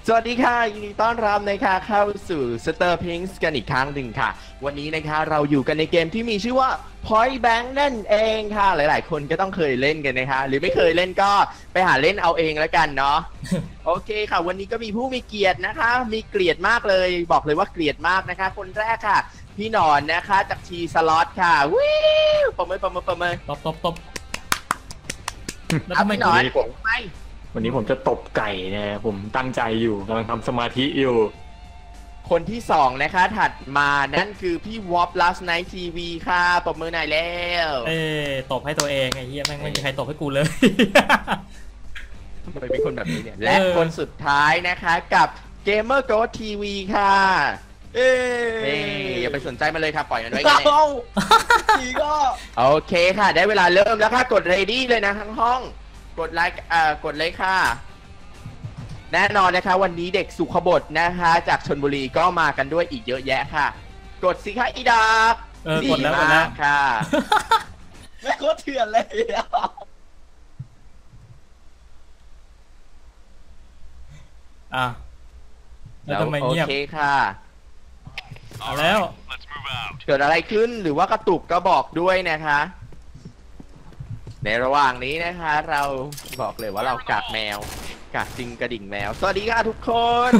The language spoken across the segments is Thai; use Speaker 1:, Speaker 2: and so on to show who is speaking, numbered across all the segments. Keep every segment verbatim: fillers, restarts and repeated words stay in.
Speaker 1: สวัสดีค่ะยินดีต้อนรับนะคะเข้าสู่ Star Pinks กันอีกครั้งหนึ่งค่ะวันนี้นะคะเราอยู่กันในเกมที่มีชื่อว่า Point Blank นั่นเองค่ะหลายๆคนก็ต้องเคยเล่นกันนะคะหรือไม่เคยเล่นก็ไปหาเล่นเอาเองแล้วกันเนาะ โอเคค่ะวันนี้ก็มีผู้มีเกียรตินะคะมีเกียรติมากเลยบอกเลยว่าเกียรติมากนะคะคนแรกค่ะพี่หนอนนะคะจากทีสล็อตค่ะวิวประเมินประเมินประเมิน
Speaker 2: ตบตบตบแล้ว
Speaker 1: เอา
Speaker 2: ทำไม
Speaker 1: พี่หนอน
Speaker 3: วันนี้ผม
Speaker 1: ไม่
Speaker 3: วันนี้ผมจะตบไก่นะผมตั้งใจอยู่กำลังทำสมาธิอยู่
Speaker 1: คนที่สองนะคะถัดมานั่นคือพี่วอป last night ที วี ค่ะปรบมือหน่อยแล้ว
Speaker 2: เอ้ตบให้ตัวเองไอ้เหี้ยแม่งไม่มีใครตบให้กูเลย
Speaker 1: ทำไมเป็นคนแบบนี้เนี่ยและคนสุดท้ายนะคะกับ Gamer g o ที วี ค่ะเอ้ยอย่าไปสนใจมันเลยค่ะปล่อยมันไว้กันทีก็โอเคค่ะ ได้เวลาเริ่มแล้วค่ะกด ready เลยนะทั้งห้องกดไลค์เอ่อกดเลยค่ะแน่นอนนะคะวันนี้เด็กสุขบดนะคะจากชลบุรีก็มากันด้วยอีกเยอะแยะค่ะ กดสิคะอีดาบ
Speaker 2: เออกดแล้วกดแล้ว
Speaker 1: ค่ะ
Speaker 4: ไม่โคตรเถื่อนเลยอ่ะ
Speaker 2: อ่ะแล้วทำไม
Speaker 1: โอ
Speaker 2: เงียบ
Speaker 1: เคค่ะ
Speaker 2: เอาแล้ว
Speaker 1: เกิดอะไรขึ้นหรือว่ากระตุกก็บอกด้วยนะคะ ในระหว่างนี้นะคะ เราบอกเลยว่าเรากากแมวกากจริงกระดิ่งแมว สวัสดีค่ะทุกคน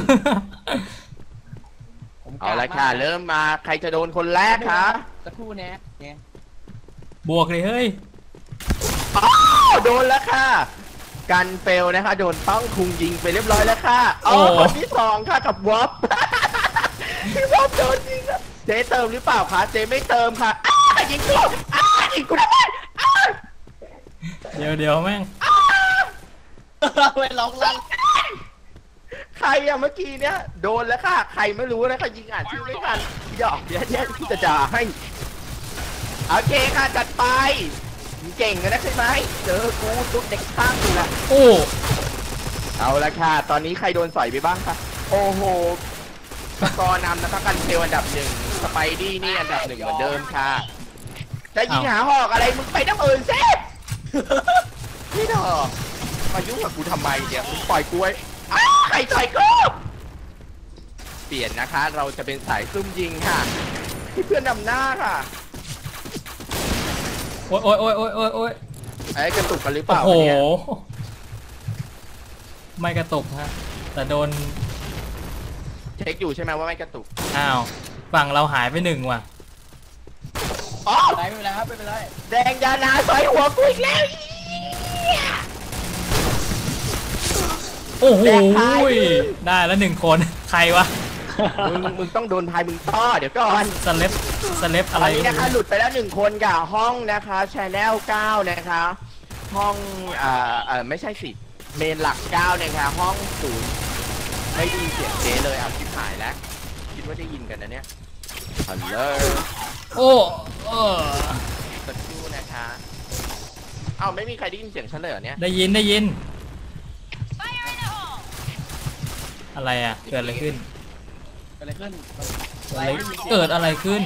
Speaker 1: เอาละค่ะ เริ่มมาใครจะโดนคนแรกคะ
Speaker 4: สักครู่นะเนี่ย
Speaker 2: บวกเลยเฮ้ย
Speaker 1: อ้าวโดนแล้วค่ะ กันเฟลนะคะ โดนต้องคุงยิงไปเรียบร้อยแล้วค่ะอ๋อ
Speaker 2: โอ้
Speaker 1: คนที่สองค่ะกับวอป พี่วอปโดนยิงอะเจ๊เติมหรือเปล่าคะเจ๊ไม่เติมค่ะอ้ายิงกูอ้ายิงกูทำไมอ้า
Speaker 2: เดี๋ยวเดี๋ยวแม่ง
Speaker 4: ไปร้องลั่น
Speaker 1: ใครอะเมื่อกี้เนี้ยโดนแล้วค่ะใครไม่รู้นะคะยิงอ่านชื่อไม่ทันหยอกเดี๋ยวเดี๋ยวพี่จะจ่าให้โอเคค่ะจัดไปมึงเก่งกันนะใช่ไหมเจอกูตุ๊กเด็กข้างกูละ
Speaker 2: โอ้
Speaker 1: เอาละค่ะตอนนี้ใครโดนสอยไปบ้างคะโอ้โหสกอร์นำนะคะกันเทลอันดับหนึ่งสไปดี้นี่อันดับหนึ่งเหมือนเดิมค่ะจะยิงหาหอกอะไรมึงไปน้ำอื่นสิพี่ดอกมายุ่งกับกูทำไมเนี่ยมึงปล่อยกูไว้อ้าวใครต่อยกูเปลี่ยนนะคะเราจะเป็นสายซุ่มยิงค่ะที่เพื่อนนำหน้าค่ะ
Speaker 2: โอ้ยโอ้ยโอ้ยโอ้ยโอ้ยโอ้ย
Speaker 1: ไอ้กระตุกกันหรือเป
Speaker 2: โอ้
Speaker 1: ล่า
Speaker 2: โห
Speaker 1: เนี่ย
Speaker 2: ไม่กระตุกฮะแต่โดน
Speaker 1: เช็คอยู่ใช่ไหมว่าไม่กระตุก
Speaker 2: อ้าวฝั่งเราหายไปหนึ่งว่ะ
Speaker 1: อ๋อ
Speaker 4: ไม่เป็นไรครับไม่เป็นไร
Speaker 1: แดงยานาสอยหัวกูอีกแล้ว
Speaker 2: โอ้โห
Speaker 1: แดกพาย
Speaker 2: ได้แล้วหนึ่งคน ใครวะ
Speaker 1: มึงมึงต้องโดนพายมึงต้อเดี๋ยวก่อน
Speaker 2: สเลปสเลป
Speaker 1: ต
Speaker 2: อะ
Speaker 1: อ
Speaker 2: ไร
Speaker 1: นนี้
Speaker 2: ก็
Speaker 1: นะคะ
Speaker 2: ไม่
Speaker 1: หลุ
Speaker 2: รู้
Speaker 1: ดไปแล้วหนึ่งคนกับห้องนะคะชแนลเก้านะคะห้องอ่าเอ่อไม่ใช่สิเมนหลักเก้านะคะห้องศูนย์ไม่ได้ยินเสียงเจ๊เลยอ่ะชิบหายแล้วคิดว่าได้ยินกันนะเนี่ยฮัลโหล
Speaker 2: โอ้เออ
Speaker 1: สักครู่นะคะเอ้าไม่มีใครได้ยินเสียงฉันเลยเหรอเนี่ย
Speaker 2: ได้ยินได้ยิน อะไรอ่ะ เกิดอะไรขึ้น
Speaker 4: เกิดอะไรขึ้น
Speaker 2: อะไรเกิดอะไรขึ้น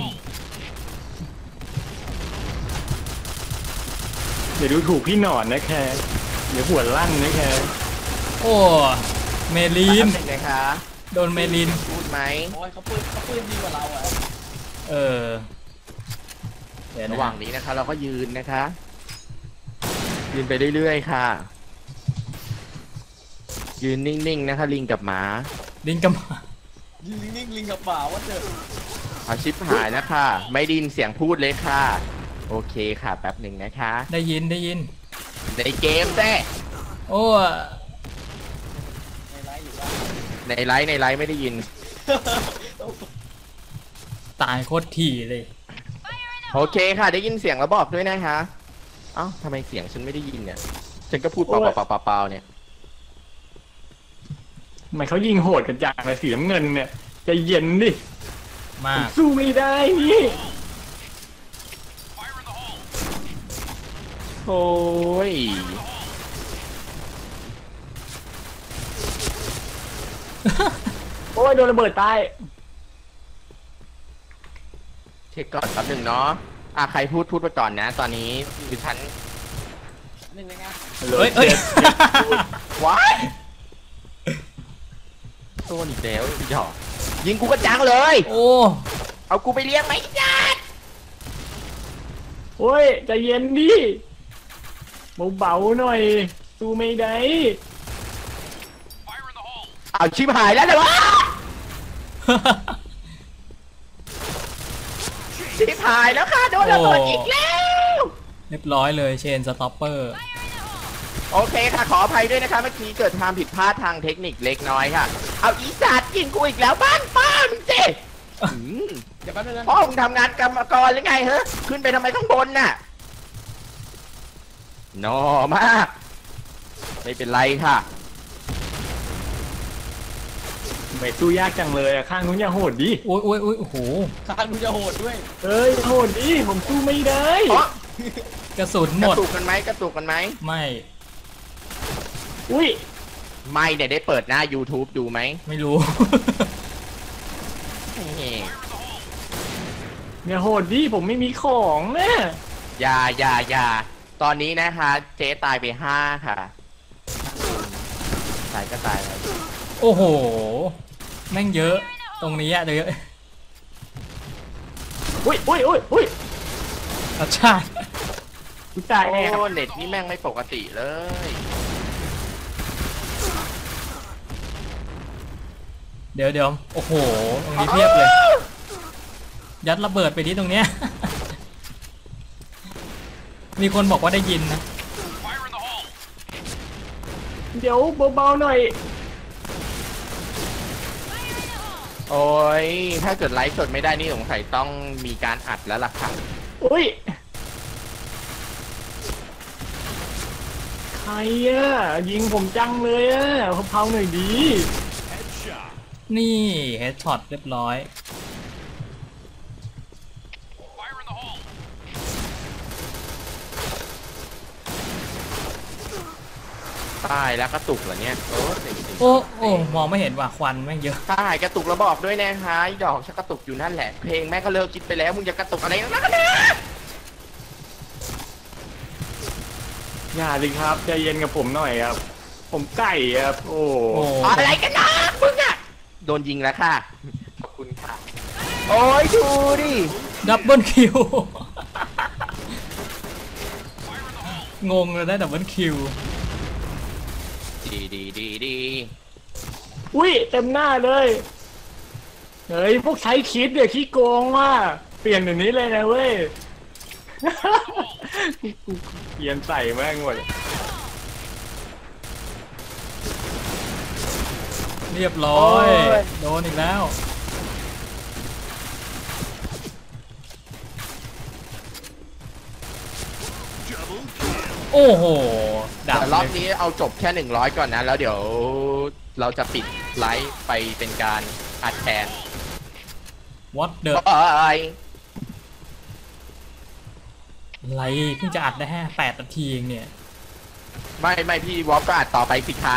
Speaker 3: เดี๋ยวดูถูกพี่หนอนนะแค่เดี๋ยวหัวลั่นนะแค่
Speaker 2: โอ้เมลีน
Speaker 1: แป๊บหงนะคะ
Speaker 2: โดนเมลิน
Speaker 1: พูดไหม
Speaker 4: โอ้ยเขาปืนเขาปืนดีกว่าเราอ่ะ
Speaker 2: เออเดี๋ยวนะ
Speaker 1: ระหว่างนี้นะคะ เราก็ยืนนะคะ ยืนไปเรื่อยๆค่ะ ยืนนิ่งๆนะคะ ลิงกับหมา
Speaker 2: ลิงกับหมา
Speaker 4: ยิงนิ่งๆลิงกับป่าว่าเจอ
Speaker 1: เอาชิปหายนะคะ ไม่ไดยินเสียงพูดเลยค่ะ โอเคค่ะแป๊บหนึ่งนะคะ
Speaker 2: ได้ยินได้ยิน
Speaker 1: ในเกมแท้
Speaker 2: โอ้
Speaker 4: ในไลฟ์อยู่ว่า
Speaker 1: ในไลฟ์ในไลฟ์ไม่ได้ยิน
Speaker 2: ตายโคตรถี่เลย
Speaker 1: โอเคค่ะ ได้ยินเสียงแล้วบอกด้วยนะคะเอ้าทำไมเสียงฉันไม่ได้ยินเนี่ย ฉันก็พูดเปล่าๆๆๆเนี่ย
Speaker 3: ทำไมเขายิงโหดกันจังเลยสีน้ำเงินเนี่ยใจะเย็นดิ
Speaker 2: มา
Speaker 3: ผม
Speaker 2: ก
Speaker 3: สู้ไม่ได้นี่
Speaker 1: โอ้ย
Speaker 3: โอ้ยโดนระเบิดตาย
Speaker 1: เช็คก่อนแป๊บหนึ่งเนาะอ่ะใครพูดพูดไปก่อนนะ ตอนนี้ดิฉัน
Speaker 4: หนึ่งเลยนะ
Speaker 2: เฮ้ยเฮ้ย
Speaker 1: ว้ายโดนอีกแล้วหยอกยิงกูกระจังเลย
Speaker 2: โอ้
Speaker 1: เอากูไปเลี้ยงไหมจ๊าด
Speaker 3: โอ้ยใจเย็นดิเบาๆหน่อยสู้ไม่ได้
Speaker 1: เอาชิบหายแล้วเลยวะชิบหายแล้วค่ะโดนระเบิดอีกแล้ว
Speaker 2: เรียบร้อยเลยเชนสต็อปเปอร์
Speaker 1: โอเคค่ะขออภัยด้วยนะคะเมื่อกี้เกิดความผิดพลาดทางเทคนิคเล็กน้อยค่ะเอาอีสัตว์กินกูอีกแล้วบ้านป้ามึงเจ๊อืม
Speaker 4: เดี๋ยวแป๊บนึงนะ
Speaker 1: พ่อมึงทำงานกรรมกรหรือไงเฮ้ขึ้นไปทำไมข้างบนน่ะนอมากไม่เป็นไรค่ะ
Speaker 3: ไม่สู้ยากจังเลยอะข้างนู้นอย่าโหดดิ
Speaker 2: โอ้ยโอ้ยโอ้ยโอ้โห
Speaker 4: ทางมึงจะโหดด้วย
Speaker 3: เอ้ยโหดดิผมสู้ไม่ได้
Speaker 1: เพราะ
Speaker 2: กระสุน
Speaker 1: ก
Speaker 2: หม
Speaker 1: ระ
Speaker 2: ด
Speaker 1: ตุกกันไหมกระตุกกันไหม
Speaker 2: ไม่
Speaker 3: อุ้ย
Speaker 1: ไม่เนี่ยได้เปิดหน้า YouTube ดูไหม
Speaker 2: ไม่รู้
Speaker 1: นี่
Speaker 3: อย่าโหดดิผมไม่มีของนะ
Speaker 1: อย่าอย่าอย่าตอนนี้นะคะเจ๊ตายไปห้าค่ะตายก็ตายแล้ว
Speaker 2: โอ้โหแม่งเยอะตรงนี้อะเยอะ
Speaker 3: อุ้ยอุ้ยอุ้ยอุ้ย
Speaker 2: รสชาติ
Speaker 3: กูตายแน่ครับ
Speaker 1: โอ้เน็ตนี่แม่งไม่ปกติเลย
Speaker 2: เดี๋ยวเดี๋ยวโอ้โหตรงนี้เพียบเลย ยัดระเบิดไปที่ตรงเนี้ย มีคนบอกว่าได้ยินนะ
Speaker 3: เดี๋ยวเบาๆหน่อย
Speaker 1: โอ้ยถ้าเกิดไลฟ์สดไม่ได้นี่สงสัยต้องมีการอัดแล้วล่ะค่ะ
Speaker 3: อุ้ยใครอะยิงผมจังเลยอะเผาๆหน่อยดี
Speaker 2: นี่เฮดช็อตเรียบร้อย
Speaker 1: ตายแล้วกระตุกเหรอเนี่ยโอ้เจ๋งจริง
Speaker 2: โอ้โอ้มองไม่เห็นว่าควันแม่งเยอะ
Speaker 1: ตายกระตุกแล้วบอกด้วยนะคะไอ้ดอกชักกระตุกอยู่นั่นแหละเพลงแม่ก็เลิกคิดไปแล้วมึงจะกระตุกอะไรนักกันนะ
Speaker 3: อย่าเลยครับใจเย็นกับผมหน่อยครับ ผมไก่ครับโอ้
Speaker 2: โอ้
Speaker 1: อะไรกันนะมึงอะโดนยิงแล้วค่ะขอบคุณค่ะโอ้ยดูดิ
Speaker 2: ดับเบิลคิว งงเลยได้ดับเบิลคิว
Speaker 1: ดีดีดีดี
Speaker 3: อุ้ยเต็มหน้าเลยเฮ้ยพวกใช้คิดเดี๋ยวขี้โกงว่ะเปลี่ยนอย่างนี้เลยนะเว้ย เปลี่ยนใส่แม่งหมด
Speaker 2: เรียบร้อย โดนอีกแล้ว โอ้โหดับ
Speaker 1: แต่รอบ
Speaker 2: เลย
Speaker 1: นี้เอาจบแค่หนึ่งร้อยก่อนนะแล้วเดี๋ยวเราจะปิดไลฟ์ไปเป็นการอัดแทน
Speaker 2: วัดเดอะ
Speaker 1: เอ้ย
Speaker 2: ไรเพิ่งจะอัดได้แค่แปดนาทีเองเนี่ย
Speaker 1: ไม่ไม่พี่วอฟก็อัดต่อไปสิคะ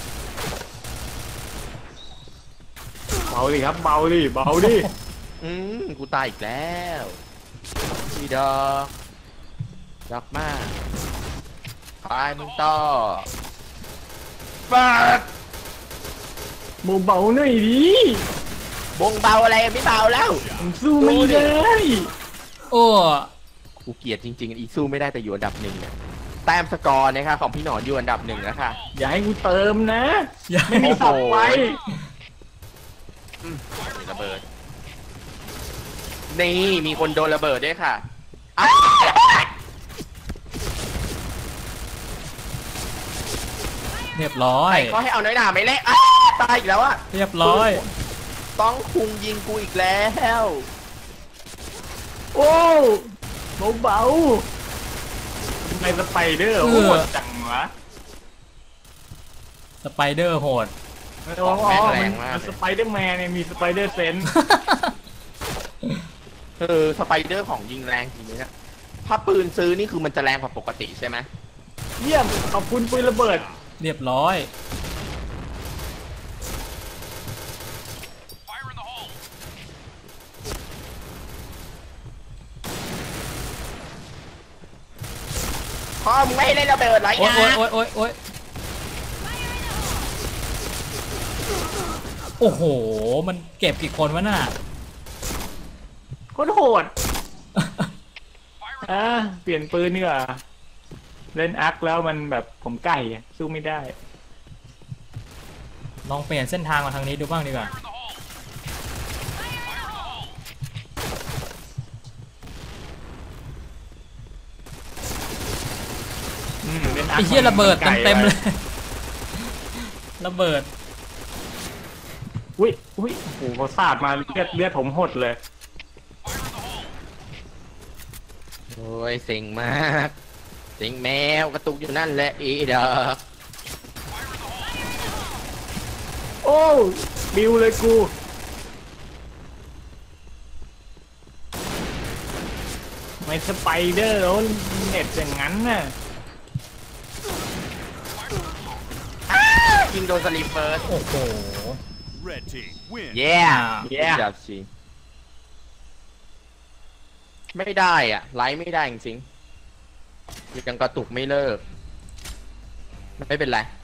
Speaker 3: เบาดิครับเบาดิเบาดิ
Speaker 1: อืมกูตายอีกแล้วพี่ดอกดอกมากตายมึงต่อปัด
Speaker 3: เบาๆหน่อยดิ
Speaker 1: บงเบาอะไรไม่เบาแล้ว
Speaker 3: ผมสู้ไม่ได้
Speaker 2: โอ้
Speaker 1: กูเกลียดจริงๆอีสู้ไม่ได้แต่อยู่อันดับหนึ่งเนี่ยแต้มสกอร์นะคะของพี่หนอนอยู่อันดับหนึ่งแล้วค่ะ
Speaker 3: อย่าให้กูเติมนะ
Speaker 2: ยัง
Speaker 3: ไม่มีสับไว้
Speaker 1: อืมมีระเบิดนี่มีคนโดนระเบิดด้วยค่ะอ้าว
Speaker 2: เรียบร้อย
Speaker 1: ใครเขาให้เอาน้อยหนาไม่เละอ้าวตายอีกแล้วอะ
Speaker 2: เรียบร้อย
Speaker 1: ต้องคุงยิงกูอีกแล้ว
Speaker 3: โอ้เบาๆทำไมสไปเดอร์โหดจังวะ
Speaker 2: สไปเดอร์โหด
Speaker 3: อ๋อมันมันสไปเดอร์แมนเนี่ยมีสไปเดอร์เซนส์
Speaker 1: เออสไปเดอร์ของยิงแรงจริงๆนะถ้าปืนซื้อนี่คือมันจะแรงกว่าปกติใช่ไหม
Speaker 3: เยี่ยมขอบคุณปืนระเบิด
Speaker 2: เรียบร้อย
Speaker 1: พ่อมึงไม่ให้เล่นระเบิดเหรอ
Speaker 2: โอ๊ย
Speaker 1: ไอ้
Speaker 2: โอ๊ย
Speaker 1: นะ
Speaker 2: โอ๊ยโอ๊ยโอ๊ยโอ้โห มันเก็บกี่คนวะน่ะ
Speaker 3: โคตรโหดอ่ะเปลี่ยนปืนนี่ว่าเล่นอาร์คแล้วมันแบบผมไก่อะสู้ไม่ได้
Speaker 2: ลองเปลี่ยนเส้นทางมาทางนี้ดูบ้างดีกว่า
Speaker 3: อืมเล่นอาร์
Speaker 2: ไอ้
Speaker 3: ค
Speaker 2: เหี้ยระเบิด
Speaker 3: มันไก่
Speaker 2: เต็มๆ
Speaker 3: ไว้
Speaker 2: เลย ระเบิด
Speaker 3: อุ้ยอุ้ยโอ้โหเขาสาดมาเลือดเลือดผมหดเลย
Speaker 1: โอ้ยเซ็งมากเซ็งแมวกระตุกอยู่นั่นแหละอีเด้อ
Speaker 3: โอ้บิวเลยกูไม่สไปเดอร์แล้วเน็ตอย่างนั้นน่ะ
Speaker 1: ยิงโดนสลีปเฟิร์ส
Speaker 2: โอ้โห
Speaker 5: Red team win.
Speaker 1: เย้
Speaker 3: แย่
Speaker 1: จับสิไม่ได้อ่ะ ไลฟ์ไม่ได้จริงๆยังกระตุกไม่เลิก ไม่เป็นไร